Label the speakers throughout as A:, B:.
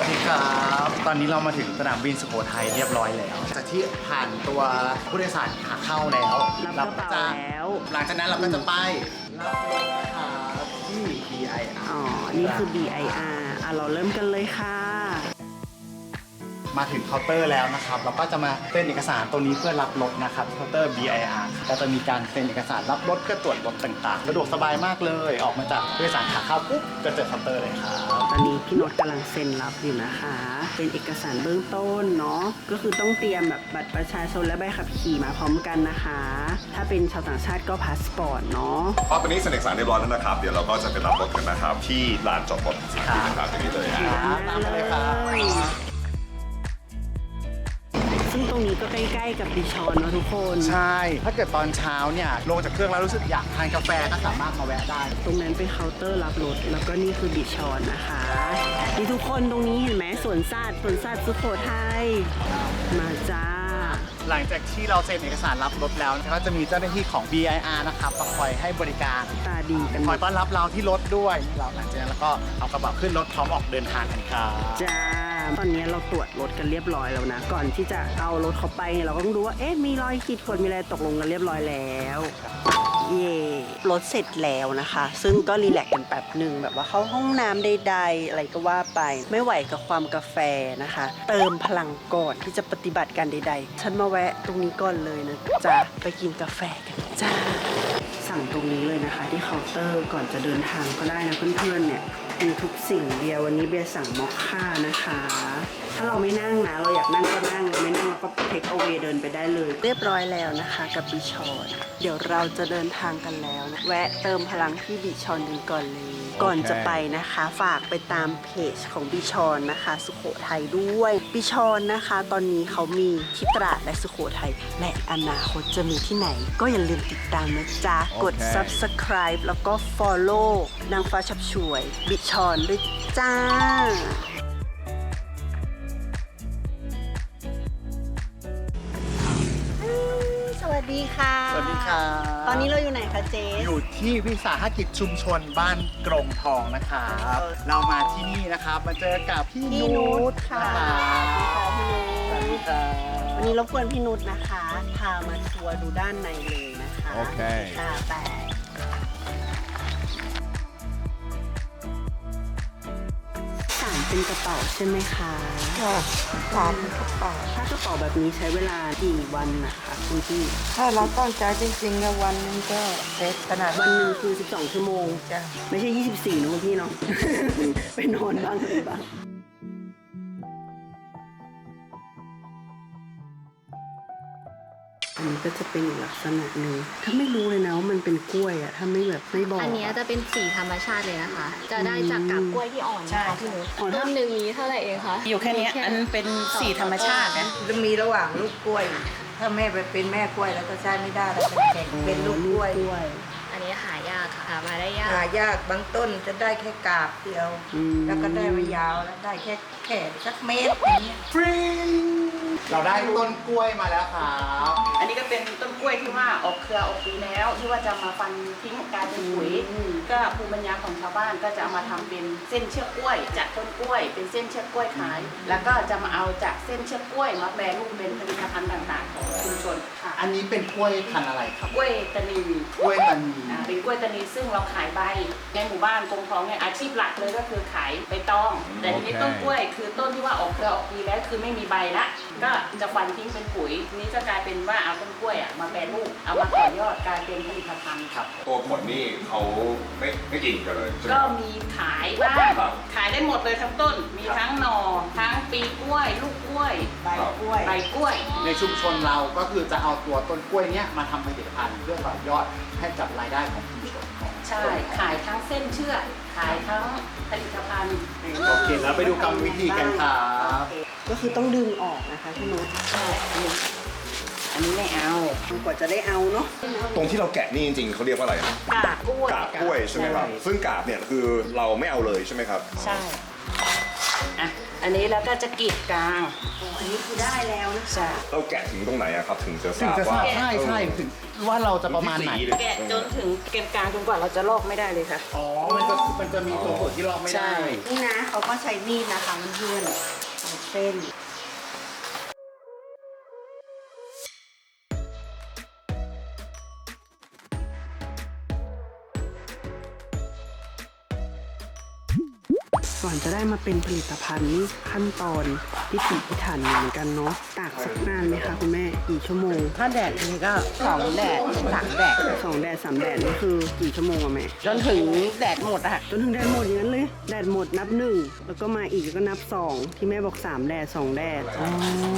A: เคครับตอนนี้เรามาถึงสนามบินสุโขทัยเรียบร้อยแล้วจากที่ผ่านตัวผู้โดยสารขาเข้าแล้ว
B: รับกระเป๋าแล้ว
A: หลังจากนั้นเราก็จะไปรับรถนะครับที่ BIR
B: อ๋อ นี่คือ BIR เราเริ่มกันเลยค่ะ
A: มาถึงเคาน์เตอร์แล้วนะครับเราก็จะมาเซ็นเอกสารตัวนี้เพื่อรับรถนะครับเคาน์เตอร์ BIR ก็จะมีการเซ็นเอกสารรับรถเพื่อตรวจรถต่างๆสะดวกสบายมากเลยออกมาจากผู้โดยสารขาเข้าปุ๊บก็เจอเคาน์เตอร์เลยครับ
B: ตอนนี้พี่โน้ตกำลังเซ็นรับอยู่นะคะ เป็นเอกสารเบื้องต้นเนาะ ก็คือต้องเตรียมแบบบัตรประชาชนและใบขับขี่มาพร้อมกันนะคะ ถ้าเป็นชาวต่างชาติก็พาสปอร์ตเนาะ
C: ตอนนี้เซ็นเอกสารเรียบร้อยแล้วนะครับเดี๋ยวเราก็จะไปรับรถกันนะครับที่ลานจอดรถสนามบินนะครับตรงนี้เลย
A: ตามมาเลยครับ
B: ซึ่งตรงนี้ก็ใกล้ๆกับดิชอนเนาะทุกคน
A: ใช่ ถ้าเกิดตอนเช้าเนี่ยลงจากเครื่องแล้วรู้สึกอยากทานกาแฟก็สามารถมาแวะได้
B: ตรงนั้นเป็นเคาน์เตอร์รับรถ แล้วก็นี่คือดิชอนนะคะนี่ทุกคนตรงนี้เห็นไหมสวนสัตว์สุโขทัย มาจ้า
A: หลังจากที่เราเซ็นเอกสารรับรถแล้วก็จะมีเจ้าหน้าที่ของ BIR นะครับมาคอยให้บริการ
B: ตาดีกันห
A: ค
B: ม
A: อย
B: ด
A: ต้อนรับเราที่รถด้วยเราหลังจากนั้นแล้วก็เอากระเป๋าขึ้นรถพร้อมออกเดินทางกันครับ
B: จ้า ตอนนี้เราตรวจรถกันเรียบร้อยแล้วนะ ก่อนที่จะเอารถเขาไปเราก็ต้องดูว่า เอ๊ะ มีรอยขีดข่วนมีอะไรตกลงกันเรียบร้อยแล้ว เย่รถเสร็จแล้วนะคะ ซึ่งก็รีแลกซ์กันแป๊บหนึ่งแบบว่าเข้าห้องน้ำใดๆอะไรก็ว่าไป ไม่ไหวกับความกาแฟนะคะ เติมพลังก่อนที่จะปฏิบัติการใดๆ ฉันมาแวะตรงนี้ก่อนเลยนะจ๊ะ ไปกินกาแฟกันจ้า สั่งตรงนี้เลยนะคะที่เคาน์เตอร์ก่อนจะเดินทางก็ได้นะเพื่อนๆเนี่ยมีทุกสิ่งเบียร์วันนี้เบียร์สั่งมอคค่านะคะ ถ้าเราไม่นั่งนะเราอยากนั่งก็นั่งไม่นั่งเราก็เทคเอาเวเดินไปได้เลย เรียบร้อยแล้วนะคะกับบิชอนเดี๋ยวเราจะเดินทางกันแล้วนะแวะเติมพลังที่บิชอนกันก่อนเลย ก่อนจะไปนะคะฝากไปตามเพจของบิชอนนะคะสุโขทัยด้วยบิชอนนะคะตอนนี้เขามีที่ตราดและสุโขทัยและอนาคตจะมีที่ไหน ก็อย่าลืมติดตามนะจ๊ะกด subscribe แล้วก็ follow นางฟ้าชับช่วยบิชอนด้วยจ้าสวัสดีค่ะ
A: สวัสดีครับ
B: ตอนนี้เราอยู่ไหนคะเจ๊
A: อยู่ที่วิสาหกิจชุมชนบ้านกรงทองนะครับเรามาที่นี่นะครับมาเจอกับพี่นุช
B: ค่ะ
A: สวัสดีครับ
B: วันนี้รบกวนพี่นุชนะคะ พามาทัวร์ดูด้านในเลยนะคะ
C: โอเค
B: ค่ะแต่สารเป็นกระเป๋าใช่ไหมคะ
D: ค่ะสารกระเป๋า
B: ถ้ากระเป๋าแบบนี้ใช้เวลากี่วันนะคะคุณพี่
D: ถ้าเราตั้งใจจริงๆนะวันหนึงก็เสร็จขนาด
B: วันหนึ่งคือ 12 ชั่วโมง
D: จ้ะ
B: ไม่ใช่ 24นะคุณพี่เนาะ ไปนอนบ้างอะไรบ้างอันนี้ก็จะเป็นอีกลักษณะหนึ่งถ้าไม่รู้เลยนะว่ามันเป็นกล้วยอะถ้าไม่แบบไม่บอก
E: อันเนี้ยจะเป็นสีธรรมชาติเลยนะคะ จะได้จากกาบกล้วยที่อ่อน
D: ใช่
E: นะคะพี่นุช
B: อ๋อ
E: ต้นหนึ่งนี้เท่าไหร่เองคะ
F: อยู่แค่เนี้ยอันเป็นสีธรรมชาตินะ
D: จะมีระหว่างลูกกล้วย ถ้าแม่ไปเป็นแม่กล้วยแล้วก็ใช้ไม่ได้แล้วเป็นแข่งเป็นลูกกล้วย
E: อันนี้หายากค่ะหามาได้ยาก
D: หายากบางต้นจะได้แค่กาบเดียว แล้วก็ได้ไม่ยาวแล้วได้แค่สักเมตรอย่างเงี้ย
A: ฟรีเราได้ต้นกล้วยมาแล้วครับ
F: อันนี้ก็เป็นต้นกล้วยที่ว่าออกเครือออกปีแล้ว ที่ว่าจะมาฟันทิ้งกลายเป็นปุ๋ยก็ภูมิปัญญาของชาวบ้านก็จะเอามาทำเป็นเส้นเชือกกล้วยจากต้นกล้วย เป็นเส้นเชือกกล้วยขาย แล้วก็จะมาเอาจากเส้นเชือกกล้วยมาแปรรูปเป็นผลิตภัณฑ์ต่างๆของชุมชนค่ะ
A: อันนี้เป็นกล้วยพันธุ์อะไรครับ
F: กล้วยตานี
A: กล้วยตานี
F: เป็นกล้วยตานีซึ่งเราขายใบในหมู่บ้านกงทองเนี่ยอาชีพหลักเลยก็คือขายใบตอง แต่ทีนี้ต้นกล้วยคือต้นที่ว่าออกเครือออกปีแล้วคือไม่มีใบละก็จะฟันทิ้งเป็นปุ๋ยทีนี้จะกลายเป็นว่าเอาต้นกล้วยมาแปรรูปเอามาต่อยอดกลายเป็นผลิตภัณฑ์ครับ
C: ตัวผลนี่เขาไม่กินกันเลยใช่ไหม
F: ก็มีขายบ้าง
C: ครับ
F: ขายได้หมดเลยทั้งต้น มีทั้งหน่อทั้งปีกล้วย ลูกกล้วย
D: ใบกล้วย
F: ใบกล้วย
A: ในชุมชนเราก็คือจะเอาตัวต้นกล้วยเนี้ยมาทำผลิตภัณฑ์เพื่อต่อยอดให้กับรายได้ของชุมชนของ
F: ใช่ขายทั้งเส้นเชือกขายทั้งผลิตภัณฑ์
A: โอเคแล้วไปดูกรรมวิธีกันครับ
B: ก็คือต้องดึงออกนะคะพี่นุช
F: อันนี้ไม่เอา
B: กว่าจะได้เอาเนาะ
C: ตรงที่เราแกะนี่จริงๆเขาเรียกว่าอะไรนะ
F: กาบกล้วย
C: กาบกล้วยใช่ไหมครับซึ่งกาบเนี่ยคือเราไม่เอาเลยใช่ไหมครับ
F: ใช่อ่ะอันนนี้แล้วก็จะกรีดกลาง
B: อันนี้คือได้แล้วนะ
F: ใช่
C: เราแกะถึงตรงไหนอะครับ ถึงจะท
A: ถึง
C: ราบ
A: จะท
C: ว่า
A: ราบใช่ถึงว่าเราจะประมาณไหน
F: แกะจนถึงเกณฑ์กลางจนกว่าเราจะลอกไม่ได้เลยค่ะ
A: อ๋อ มันจะมีตัวส่วนที่ลอกไม่
F: ใช่
A: ได้
B: นี่นะเขาก็ใช้มีดนะคะมันเพื่อนเอาเส้น ก่อนจะได้มาเป็นผลิตภัณฑ์นี่ขั้นตอนพิถีพิถันเหมือนกันเนาะตากสักนานไหมคะคุณแม่กี่ชั่วโมง
F: ถ้าแดดนี้ก็2 แดด 3 แดด
B: 2 แดด 3 แดดนี่คือกี่ชั่วโมงอะแม่
F: จนถึงแดดหมดอะค่ะ
B: จนถึงแดดหมดอย่างนั้นเลย แดดหมดนับ 1 แล้วก็มาอีกแล้วก็นับ 2 ที่แม่บอก 3 แดด 2 แดดอ๋อ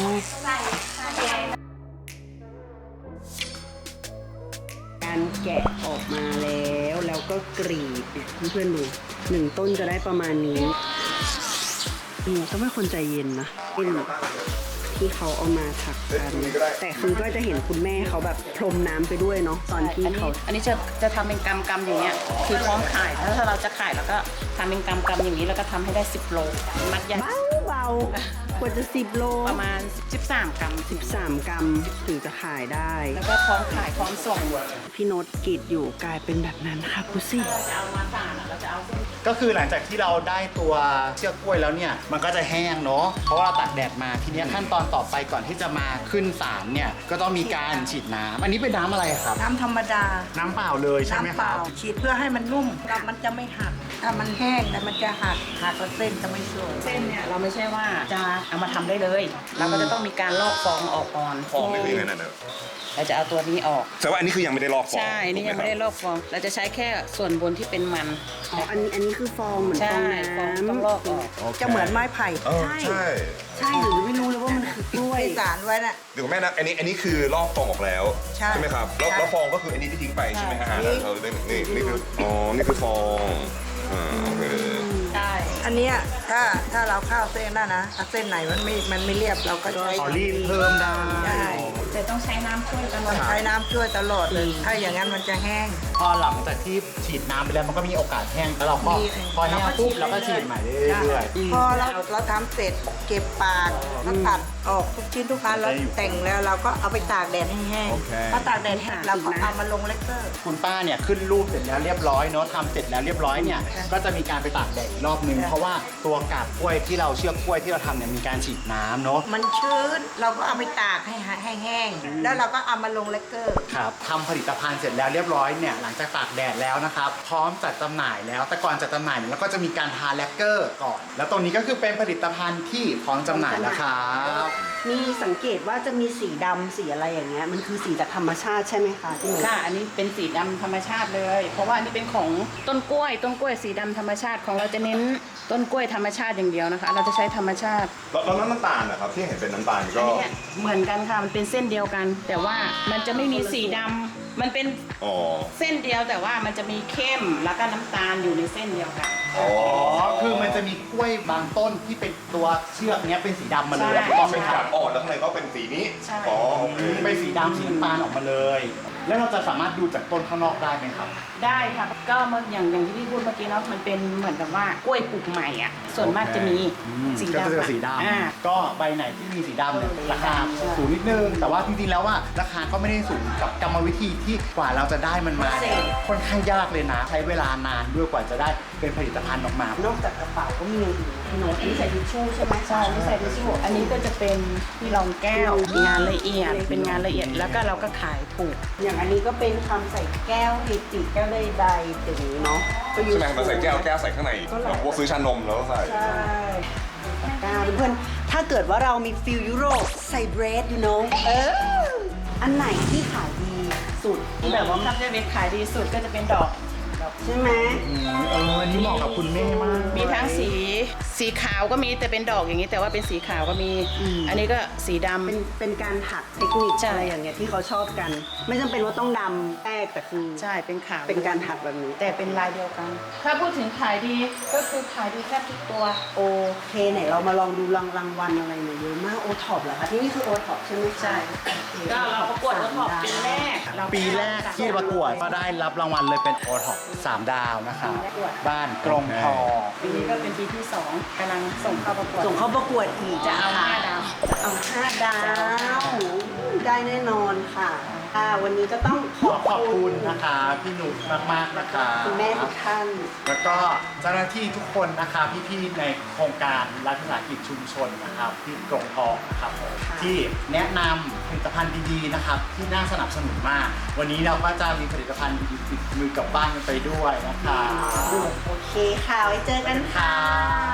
B: การแกะออกมาแล้วก็กรีดเนี่ยเพื่อนๆดู1 ต้นจะได้ประมาณนี้ต้องเป็นคนใจเย็นนะเป็นที่เขาเอามาถักกัน แต่คือก็จะเห็นคุณแม่เขาแบบพรมน้ำไปด้วยเนาะตอนที่เขา
F: อันนี้จะทำเป็นกำอย่างเงี้ย คือพร้อมขายแล้วถ้าเราจะขายแล้วก็ทำเป็นกำอย่างนี้แล้วก็ทำให้ได้10 โล มัดใหญ่
B: เบาๆควรจะ10 โล
F: ประมาณ13 กรัม
B: 13 กรัมถึงจะขายได้
F: แล้วก็พร้อมขายพร้อมส่ง
B: พี่โน้ตกรีดอยู่กลายเป็นแบบนั้นค่ะพุซี่
F: จะเอามาสานเราจะเอาเส้น
A: ก็คือหลังจากที่เราได้ตัวเชือกกล้วยแล้วเนี่ย มันก็จะแห้งเนาะ เพราะว่าเราตากแดดมา ทีเนี้ยขั้นตอนต่อไปก่อนที่จะมาขึ้นศาลเนี่ย ก็ต้องมีการฉีดน้ำอันนี้เป็นน้ำอะไรครับ
D: น้ำธรรมดา
A: น้ำเปล่าเลยใช่ไหม
D: น้ำ
A: ค
D: เป
A: รั
D: ล่า
A: บ
D: ฉีดเพื่อให้มันนุ่มแล้วมันจะไม่หัก ถ้ามันแห้งแล้วมันจะหักแล้วเส้นจะไม่สวย
F: เส้นเนี่ยเราไม่ใช่ว่าจะเอามาทำได้เลย เราก็จะต้องมีการลอกฟองออกก่อน
C: ฟองไม่เป็นยังไงนั่นเนอะ
F: เราจะเอาตัวนี้ออก
C: แต่ว่าอันนี้คือยังไม่ได้ลอกฟอง
F: ใช่ นี่ยังไม่ได้ลอกฟอง เราจะใช้แค่ส่วนบนที่เป็นมัน
B: อ๋อ อันนี้คือฟองเหมือนฟ
F: ใช่
B: อง
F: ฟอง
B: น้ำ
F: ต้องลอกออก
D: จะเหมือนไม้ไผ่
C: เออใช่
B: ใช่หรือไม่รู้เลยว่ามันคือกล้วย
D: ที่สารไว้น่ะ
C: เดี๋ยวแม่นะอันนี้คือลอกฟองออกแล้ว
D: ใช่
C: ไหมครับแล้ว
D: ใช่
C: แล้วฟองก็คืออันนี้ที่ทิ้งไปใช่ไหมฮะ
D: ใช่
C: เออนี่คืออ๋อนี่คือฟองโอเค
F: ใช่
D: อันเนี้ยถ้าเราข้าวเส้นน่ะนะถ้าเส้นไหนมันไม่เรียบเราก็ใช้
A: ขอรีดเพิ่มได้
D: ใช่
F: แต่ต้องใช้น้ำช่วยตลอ
D: ต้อ
F: ด
D: งใช้น้ำช่วยตลอดเลย ถ้าอย่างนั้นมันจะแห้ง
A: พอหลังจากที่ฉีดน้ำไปแล้วมันก็มีโอกาสแห้ง แล้วเราก็
D: มี
A: พอแห้งปุ๊บเราก็ฉีดใหม่เรื่อย
D: พอเราทำเสร็จเก็บปากแล้วตัดออกทุกชิ้นทุกอันแล้วแต่งแล้วเราก็เอาไปตากแดดให้แห้งพอตากแดดแห้งเราก็เอามาลงเลกเตอร์
A: ๆคุณป้าเนี่ยขึ้นรูปเสร็จแล้วเรียบร้อยเนาะทำเสร็จแล้วเรียบร้อยเนี่ย ก็จะมีการไปตากแดดอีกรอบนึง เพราะว่าตัวกาบกล้วยที่เราเชือกกล้วยที่เราทำเนี่ยมีการฉีดน้ำเนาะ
D: มันชื้นเราก็เอาไปตากให้แห้งแล้วเราก็เอามาลงเลกเตอร์
A: ครับทำผลิตภัณฑ์เสร็จแล้วเรียบร้อยเนี่ยหลังจากตากแดดแล้วนะครับพร้อมจัดจำหน่ายแล้วแต่ก่อนจัดจำหน่ายเนี่ยเราก็จะมีการทาแลกเกอร์ก่อน แล้วตรงนี้ก็คือเป็นผลิตภัณฑ์ที่พร้อมจำหน่ายแล้วครับ
B: มีสังเกตว่าจะมีสีดำสีอะไรอย่างเงี้ย มันคือสีจากธรรมชาติใช่ไหมคะที่หนู
F: ค่ะ อันนี้เป็นสีดำธรรมชาติเลย เพราะว่าอันนี้เป็นของต้นกล้วยสีดำธรรมชาติของเราจะเน้นต้นกล้วยธรรมชาติอย่างเดียวนะคะ เราจะใช้ธรรมชาติ
C: แล้วน้ำตาลนะครับที่เห็นเป็นน้ำตาล
F: อั
C: ก็
F: นนี้เหมือนกันค่ะ มันเป็นเส้นเดียวกัน แต่ว่ามันจะไม่มีสีดำมันเป็น
C: อ๋อ
F: เส้นเดียวแต่ว่ามันจะมีเข้มแล้วก็น้ำตาลอยู่ในเส้นเดียวกัน
C: อ๋อ
A: อ๋อคือมันจะมีกล้วยบางต้นที่เป็นตัวเชือกเนี้ยเป็นสีดำมาเลย
F: ใช่
A: ถูกต้องไหม
C: เป็น
A: ค
C: กา
A: รั
C: บบ อ่อนแล้วข้างในก็เป็นสีนี้
F: ใช่
C: อ๋อโอเค
A: เป็นสีดำสีน้ำตาลออกมาเลย แล้วเราจะสามารถดูจากต้นข้างนอกได้ไหมครับ
F: ได้ค่ะ ก็เมื่ออย่างที่พี่พูดเมื่อกี้เนาะมันเป็นเหมือนกับว่ากล้วยปลูกใหม่อ่ะ ส่วนมากจะมีสี
A: ก็
F: ดำ
A: จะสีด
F: อ่า
A: ำก็ใบไหนที่มีสีดำเนี่ยราคาสูงนิดนึง แต่ว่าจริงๆแล้วว่าราคาก็ไม่ได้สูงกับกรรมวิธีที่กว่าเราจะได้มันมาเนี่ยค่อนข้างยากเลยนะ ใช้เวลานานด้วยกว่าจะได้เป็นผลิตภัณฑ์ออกมา
B: นอกจากกระเป๋าก็มีอย่างอื่นนะพี่โน้ตอันนี้ใส่ทิชชู่ใช่ไหม
F: ใช่ไม่ใส่ทิชชู่อันนี้ก็จะเป็นที่รองแก้วงานละเอียดเป็นงานละเอียดแล้วก็เราก็ขายถูก
B: อย่างอันนี้ก็เป็นคำใส่แก้วเฮจิแก้วใดๆอย่างนี้เนาะก็อยู่
C: ใช่ไหมมาใส่แก้วใส่ข้างในแบบพวกซื้อชานมแล้วก็ใส่
B: ใช่กาเพื่อนๆถ้าเกิดว่าเรามีฟิลยุโรปใส่เบรดอยู่เนาะอันไหนที่ขายดีสุด
F: แบบว่าถ้าจะเป็นขายดีสุดก็จะเป็นดอก
B: ใช่ไหม
A: อันนี้เหมาะกับคุณแม่มาก
F: มีทั้งสีขาวก็มีแต่เป็นดอกอย่างนี้ แต่ว่าเป็นสีขาวก็มี อันนี้ก็สีดำ
B: เป็นการถักเทคนิค
F: ใช่
B: อะไรอย่างเงี้ยที่เขาชอบกัน ไม่จำเป็นว่าต้องดำแป้งแต่คือ
F: ใช่เป็นขาว
B: เป็นการถักแบบนี้
F: แต่เป็นลายเดียวกัน ถ้าพูดถึงขายดีก็คือขายดีแทบทุกตัว
B: โอเคไหนเรามาลองดูรางวัลอะไรหน่อยเยอะมากโอท็อปเหรอคะที่นี่คือโอท็อปใช่ไหมคะ
F: ใช่ ก็เราประกวดโอท็อปปีแรก
A: ปีแรกที่ประกวดก็ได้รับรางวัลเลยเป็นโอท็อป3 ดาวนะคะบ้านกรงทอง
F: ปีนี้ก็เป็นปีที่2 กำลังส่งเข้าประกวด
B: ส่งเข้าประกวดอีก
F: จะเอา
B: ค่ะ
F: 5 ดาว
B: เอา5 ดาว ได้แน่นอนค่ะวันนี้ก็ต้องขอบ
A: ขอบ
B: คุ
A: คุณ
B: ณ
A: นะคะพี่นุชมากๆนะคะ
B: คุณแม่ทุกท่าน
A: แล้วก็เจ้าหน้าที่ทุกคนนะคะพี่ๆในโครงการรัฐวิสาหกิจชุมชนนะครับที่กรงทองนะครับผม
B: ค่ะ
A: ที่แนะนำผลิตภัณฑ์ดีๆนะครับที่น่าสนับสนุนมาก วันนี้เราก็จะมีผลิตภัณฑ์ดีๆติดมือกลับบ้านกันไปด้วยนะคะ
B: โอเคค่ะ ไว้เจอกันค่ะ